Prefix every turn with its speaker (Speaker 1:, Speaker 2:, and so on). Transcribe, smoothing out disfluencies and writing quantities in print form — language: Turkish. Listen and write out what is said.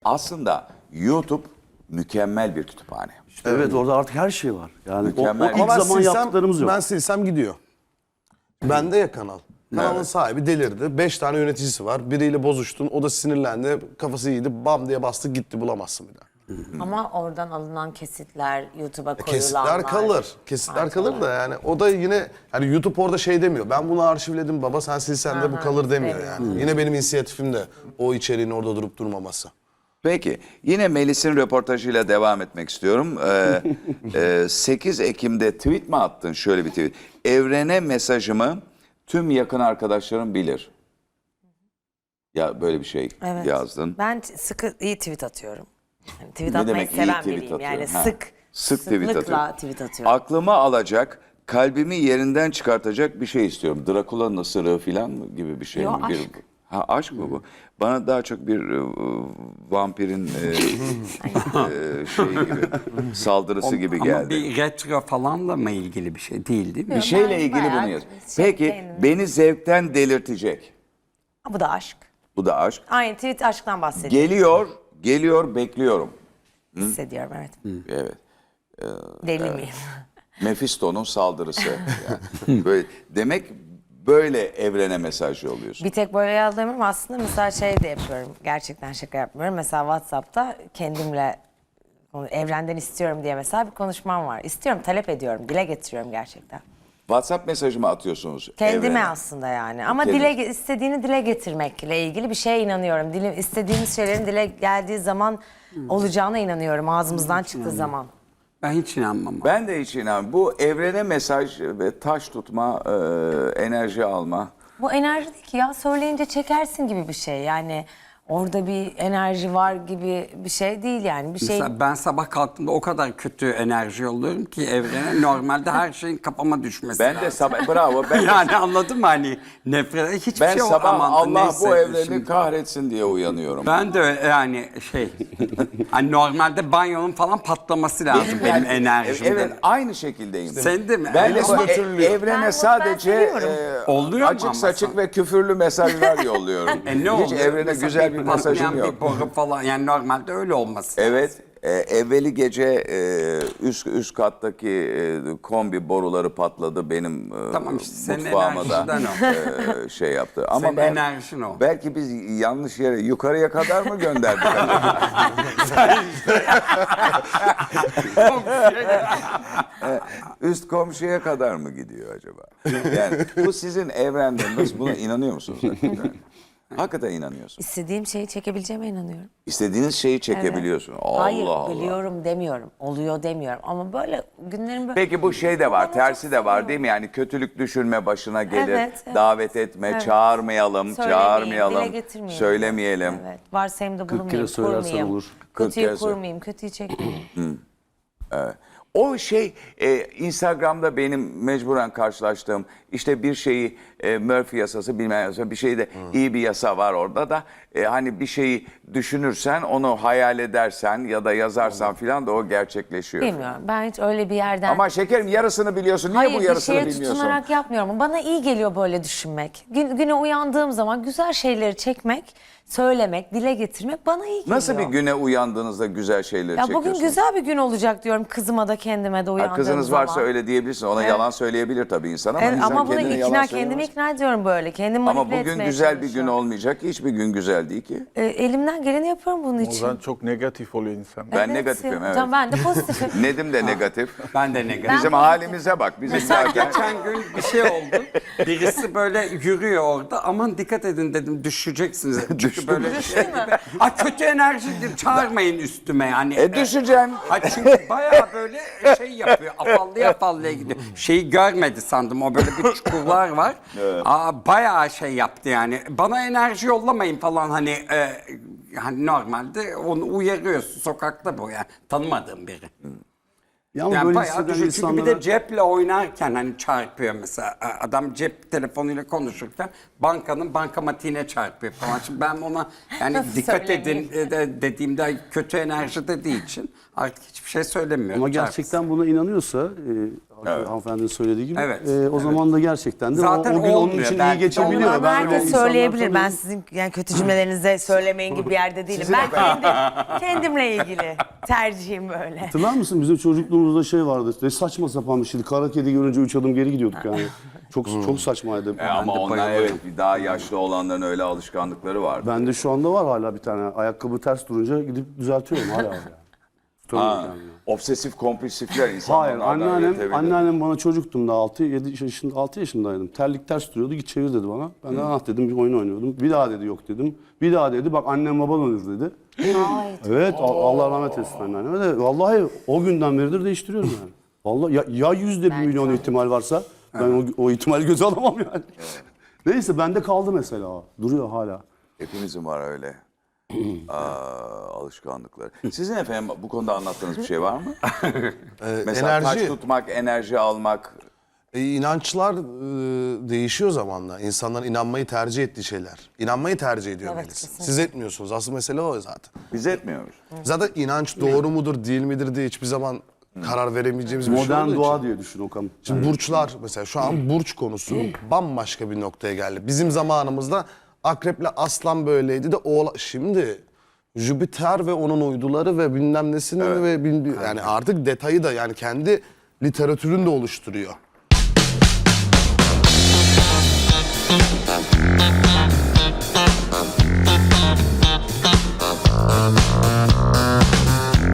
Speaker 1: Aslında YouTube mükemmel bir kütüphane.
Speaker 2: Evet, orada artık her şey var. Yani
Speaker 1: Mükemmel.
Speaker 2: o ilk zaman yaptıklarımız yok.
Speaker 3: Ben silsem gidiyor. Bende ya kanal. Kanalın
Speaker 1: Evet.
Speaker 3: sahibi delirdi. 5 tane yöneticisi var. Biriyle bozuştun. O da sinirlendi. Kafası iyiydi. Bam diye bastı gitti. Bulamazsın bir daha.
Speaker 4: Ama oradan alınan kesitler, YouTube'a koyulanlar.
Speaker 3: Kesitler kalır. Kesitler kalır da yani o da yine hani YouTube orada şey demiyor. Ben bunu arşivledim baba sen silsen de bu kalır demiyor yani. Yine benim inisiyatifim de o içeriğin orada durup durmaması.
Speaker 1: Peki yine Melis'in röportajıyla devam etmek istiyorum. 8 Ekim'de tweet mi attın? Şöyle bir tweet. Evrene mesajımı tüm yakın arkadaşlarım bilir. Ya böyle bir şey
Speaker 4: Evet.
Speaker 1: yazdın.
Speaker 4: Ben sıkı iyi tweet atıyorum. Yani tweet
Speaker 1: Ne
Speaker 4: atmayı
Speaker 1: demek iyi
Speaker 4: seven
Speaker 1: tweet
Speaker 4: biriyim. Yani
Speaker 1: atıyorum? Ha. Sık tweet
Speaker 4: sıklıkla
Speaker 1: atıyorum.
Speaker 4: tweet atıyorum.
Speaker 1: Aklımı alacak, kalbimi yerinden çıkartacak bir şey istiyorum. Drakula'nın ısırığı falan mı gibi bir şey
Speaker 4: Yo,
Speaker 1: mi?
Speaker 4: aşk.
Speaker 1: Ha aşk mı bu? Bana daha çok bir vampirin şey gibi saldırısı gibi
Speaker 5: Ama
Speaker 1: geldi.
Speaker 5: bir retro falanla mı ilgili bir şey değil mi?
Speaker 1: Bir şeyle
Speaker 4: Ben
Speaker 1: ilgili
Speaker 4: bayağı
Speaker 1: bunu yaz.
Speaker 4: şey
Speaker 1: Peki
Speaker 4: kendim-
Speaker 1: beni zevkten delirtecek.
Speaker 4: Bu da aşk.
Speaker 1: Bu da aşk.
Speaker 4: Aynı tweet aşktan bahsediyor.
Speaker 1: Geliyor, bekliyorum.
Speaker 4: Hissediyorum evet.
Speaker 1: Evet.
Speaker 4: Deli miyim?
Speaker 1: Mephisto'nun saldırısı. Yani. Böyle, demek böyle evrene mesaj yolluyorsun.
Speaker 4: Bir tek böyle yazdığım aslında mesela şey de yapıyorum. Gerçekten şaka yapmıyorum. Mesela WhatsApp'ta kendimle evrenden istiyorum diye mesela bir konuşmam var. İstiyorum, talep ediyorum, dile getiriyorum gerçekten.
Speaker 1: WhatsApp mesajımı atıyorsunuz
Speaker 4: Kendime
Speaker 1: evrene.
Speaker 4: aslında yani. Ama
Speaker 1: Kendin.
Speaker 4: istediğini dile getirmekle ilgili bir şeye inanıyorum. İstediğimiz şeylerin dile geldiği zaman olacağına inanıyorum. Ağzımızdan çıktığı zaman.
Speaker 5: Ben hiç inanmam.
Speaker 1: Ben de hiç inanmıyorum. Bu evrene mesaj ve taş tutma, enerji alma.
Speaker 4: Bu enerji değil ki ya, söyleyince çekersin gibi bir şey. Yani orada bir enerji var gibi bir şey değil yani. Bir şey.
Speaker 5: Mesela ben sabah kalktığımda o kadar kötü enerji yolluyorum ki evrene, normalde her şeyin kafama düşmesi
Speaker 1: Ben
Speaker 5: lazım.
Speaker 1: de sabah, bravo. Ben de,
Speaker 5: Yani anladın mı hani nefret hiçbir
Speaker 1: ben
Speaker 5: şey
Speaker 1: sabah
Speaker 5: aman,
Speaker 1: Allah
Speaker 5: neyse,
Speaker 1: bu evreni
Speaker 5: şimdi.
Speaker 1: kahretsin diye uyanıyorum.
Speaker 5: Ben de yani hani normalde banyonun falan patlaması lazım benim
Speaker 1: yani-
Speaker 5: enerjimde.
Speaker 1: Evet, aynı şekildeyim.
Speaker 5: Sen de mi?
Speaker 1: Ben de
Speaker 5: Ama
Speaker 1: evrene
Speaker 4: Ben
Speaker 1: sadece
Speaker 4: seviyorum.
Speaker 5: Oluyor mu
Speaker 1: açık
Speaker 5: ama
Speaker 1: saçık
Speaker 5: sen?
Speaker 1: ve küfürlü mesajlar yolluyorum.
Speaker 5: ne
Speaker 1: Hiç
Speaker 5: oluyor?
Speaker 1: evrene
Speaker 5: Mesela
Speaker 1: güzel bir mesajım
Speaker 5: patlayan
Speaker 1: yok.
Speaker 5: Bir boru falan, yani normalde öyle olması.
Speaker 1: Evet, evveli gece üst kattaki kombi boruları patladı benim
Speaker 5: Tamam işte, senin
Speaker 1: mutfağıma da
Speaker 5: enerjiden
Speaker 1: şey yaptı. Ama
Speaker 5: Senin enerjin o.
Speaker 1: Belki biz yanlış yere yukarıya kadar mı gönderdik? Üst komşuya kadar mı gidiyor acaba? Yani bu sizin evrende nasıl, buna inanıyor musunuz? Hakikaten? Hakikaten inanıyorsun.
Speaker 4: İstediğim şeyi çekebileceğime inanıyorum.
Speaker 1: İstediğiniz şeyi çekebiliyorsun. Allah
Speaker 4: Hayır,
Speaker 1: Allah.
Speaker 4: biliyorum demiyorum. Oluyor demiyorum. Ama böyle günlerin böyle...
Speaker 1: Peki bu şey de var,
Speaker 4: Ama
Speaker 1: tersi
Speaker 4: çok
Speaker 1: de var
Speaker 4: seviyorum.
Speaker 1: değil mi? Yani kötülük düşünme başına gelir,
Speaker 4: Evet, evet.
Speaker 1: davet etme,
Speaker 4: Evet.
Speaker 1: çağırmayalım,
Speaker 4: Söylemeyin,
Speaker 1: çağırmayalım,
Speaker 4: dile getirmeyelim.
Speaker 1: söylemeyelim.
Speaker 4: Evet. Varsayımda
Speaker 2: 40 kere
Speaker 4: bulunmayayım,
Speaker 2: söylersen
Speaker 4: kurmayayım.
Speaker 2: olur.
Speaker 1: 40
Speaker 4: Kötüyü
Speaker 1: kere söyle.
Speaker 4: kurmayayım, kötüyü çekmeyeyim.
Speaker 1: O şey Instagram'da benim mecburen karşılaştığım işte bir şeyi Murphy yasası bilmem yasası bir şeyde iyi bir yasa var orada da hani bir şeyi düşünürsen onu hayal edersen ya da yazarsan filan da o gerçekleşiyor.
Speaker 4: Bilmiyorum. Ben hiç öyle bir yerden...
Speaker 1: Ama şekerim yarısını biliyorsun. Niye
Speaker 4: Hayır,
Speaker 1: bu
Speaker 4: bir
Speaker 1: yarısını
Speaker 4: şeye
Speaker 1: bilmiyorsun?
Speaker 4: tutunarak yapmıyorum. Bana iyi geliyor böyle düşünmek. Güne uyandığım zaman güzel şeyleri çekmek, söylemek, dile getirmek bana iyi geliyor.
Speaker 1: Nasıl bir güne uyandığınızda güzel şeyleri
Speaker 4: Ya
Speaker 1: çekiyorsun?
Speaker 4: bugün güzel bir gün olacak diyorum kızıma da kendime de
Speaker 1: Ha,
Speaker 4: uyandığım
Speaker 1: kızınız
Speaker 4: zaman.
Speaker 1: varsa öyle diyebilirsin. Ona yalan söyleyebilir tabii insan ama
Speaker 4: Evet,
Speaker 1: insan
Speaker 4: ama bunu
Speaker 1: kendine yalan
Speaker 4: kendimi
Speaker 1: söyleyemez.
Speaker 4: ikna ediyorum böyle. Kendimi
Speaker 1: Ama
Speaker 4: manipüle
Speaker 1: bugün
Speaker 4: etmeye
Speaker 1: güzel bir gün
Speaker 4: çalışıyorum.
Speaker 1: olmayacak. Hiçbir gün güzel değil ki.
Speaker 4: Elimden geleni yapıyorum bunun
Speaker 6: O
Speaker 4: için.
Speaker 6: zaman çok negatif oluyor insan.
Speaker 1: Ben negatifim, evet.
Speaker 4: Tamam, ben de pozitifim.
Speaker 1: Nedim de negatif.
Speaker 5: Ben de negatif.
Speaker 1: Bizim halimize bak. Bizim
Speaker 5: Mesela
Speaker 1: zaten...
Speaker 5: geçen gün bir şey oldu. Birisi böyle yürüyor orada. Aman dikkat edin dedim, düşeceksiniz. Çünkü böyle şey gibi. Ay kötü enerjidir, çağırmayın üstüme yani.
Speaker 1: Düşeceğim.
Speaker 5: Ha çünkü bayağı böyle şey yapıyor. Afallıya gidiyor. Şeyi görmedi sandım. O böyle bir çukurlar var. Bayağı şey yaptı yani. Bana enerji yollamayın falan hani hani normalde onu uyarıyorsun sokakta bu yani. Tanımadığım biri.
Speaker 2: Ya ama
Speaker 5: Yani
Speaker 2: böyle
Speaker 5: bayağı
Speaker 2: hisseden
Speaker 5: düşün. Çünkü bir
Speaker 2: insanlara...
Speaker 5: de ceple oynarken hani çarpıyor mesela. Adam cep telefonuyla konuşurken bankanın bankamatiğine çarpıyor falan. Şimdi ben ona yani
Speaker 4: Nasıl
Speaker 5: dikkat edin
Speaker 4: söylemeyeyim?
Speaker 5: dediğimde kötü enerji dediği için artık hiçbir şey söylemiyorum.
Speaker 2: Ama
Speaker 5: Çarpsın.
Speaker 2: gerçekten buna inanıyorsa Hanımefendinin söylediği gibi.
Speaker 5: Evet,
Speaker 2: O zaman da gerçekten de
Speaker 5: Zaten
Speaker 2: o gün onun
Speaker 5: olmuyor
Speaker 2: için iyi
Speaker 5: belki de.
Speaker 2: geçebiliyor.
Speaker 4: Onu
Speaker 2: Ben öyle
Speaker 4: herkes
Speaker 2: insanlar
Speaker 4: söyleyebilir. Ben
Speaker 2: tanıyorum.
Speaker 4: sizin yani kötü cümlelerinizi söylemeyin gibi bir yerde değilim. Ben kendimle ilgili tercihim böyle.
Speaker 2: Hatırlar mısın bizim çocukluğumuzda şey vardı. Ne saçma sapan bir şeydi. Kara kedi görünce 3 adım geri gidiyorduk yani. Çok saçmaydı.
Speaker 1: Ama onlar evet daha yaşlı olanların öyle alışkanlıkları var.
Speaker 2: Bende şu anda var hala bir tane. Ayakkabı ters durunca gidip düzeltiyorum hala. Yani. Tutamıyorum
Speaker 1: Ha,
Speaker 2: kendimi.
Speaker 1: obsesif kompulsifler insanlar.
Speaker 2: Hayır, anneannem bana çocuktum da 6 yaşındaydım. Terlik ters duruyordu, git çevir dedi bana. Ben de dedim, bir oyun oynuyordum. Bir daha dedi yok dedim. Bir daha dedi bak annem baban ölür dedi. Evet, Allah rahmet eylesin anneanneme de. Vallahi o günden beridir değiştiriyorum yani. Vallahi ya %1 milyon ihtimal varsa ben o ihtimali göze alamam yani. Neyse bende kaldı mesela o. Duruyor hala.
Speaker 1: Hepimizin var öyle alışkanlıkları. Sizin efendim bu konuda anlattığınız bir şey var mı? Mesela taş tutmak, enerji almak.
Speaker 3: İnançlar değişiyor zamanla. İnsanların inanmayı tercih ettiği şeyler. İnanmayı tercih ediyor
Speaker 4: Evet,
Speaker 3: birisi.
Speaker 4: kesinlikle.
Speaker 3: Siz etmiyorsunuz. Asıl mesele o zaten.
Speaker 1: Biz etmiyoruz.
Speaker 3: Zaten inanç doğru mudur değil midir diye hiçbir zaman karar veremeyeceğimiz bir şey
Speaker 2: Modern
Speaker 3: olduğu
Speaker 2: doğa
Speaker 3: için.
Speaker 2: diye düşün Okan.
Speaker 3: Şimdi burçlar mesela şu an burç konusu bambaşka bir noktaya geldi. Bizim zamanımızda akreple aslan böyleydi de şimdi Jüpiter ve onun uyduları ve bilmem nesinin ve yani artık detayı da yani kendi literatürünü de oluşturuyor.